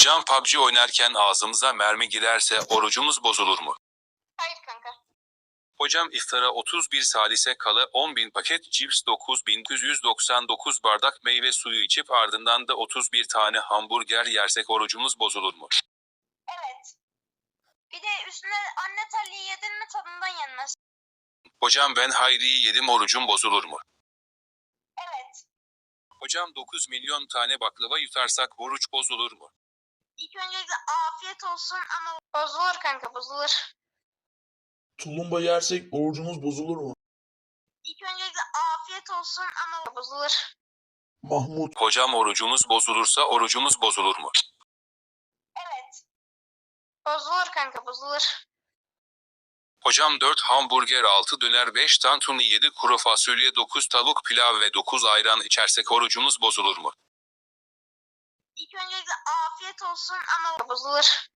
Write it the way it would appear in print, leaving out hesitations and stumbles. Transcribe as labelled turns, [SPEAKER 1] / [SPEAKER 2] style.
[SPEAKER 1] Hocam PUBG oynarken ağzımıza mermi girerse orucumuz bozulur mu?
[SPEAKER 2] Hayır kanka.
[SPEAKER 1] Hocam iftara 31 salise kala 10.000 paket cips 9.999 bardak meyve suyu içip ardından da 31 tane hamburger yersek orucumuz bozulur mu?
[SPEAKER 2] Evet. Bir de üstüne anne terliği yedin mi tadından yenmez.
[SPEAKER 1] Hocam ben Hayri'yi yedim orucum bozulur mu?
[SPEAKER 2] Evet.
[SPEAKER 1] Hocam 9 milyon tane baklava yutarsak oruç bozulur mu?
[SPEAKER 2] İlk öncelikle afiyet olsun ama bozulur kanka bozulur.
[SPEAKER 3] Tulumba yersek orucumuz bozulur mu?
[SPEAKER 2] İlk öncelikle afiyet olsun ama bozulur.
[SPEAKER 3] Mahmut,
[SPEAKER 1] Hocam orucumuz bozulursa orucumuz bozulur mu?
[SPEAKER 2] Evet. Bozulur kanka bozulur.
[SPEAKER 1] Hocam 4 hamburger 6 döner 5 tantuni 7 kuru fasulye 9 tavuk pilav ve 9 ayran içersek orucumuz bozulur mu?
[SPEAKER 2] İlk öncelikle afiyet olsun ama bozulur.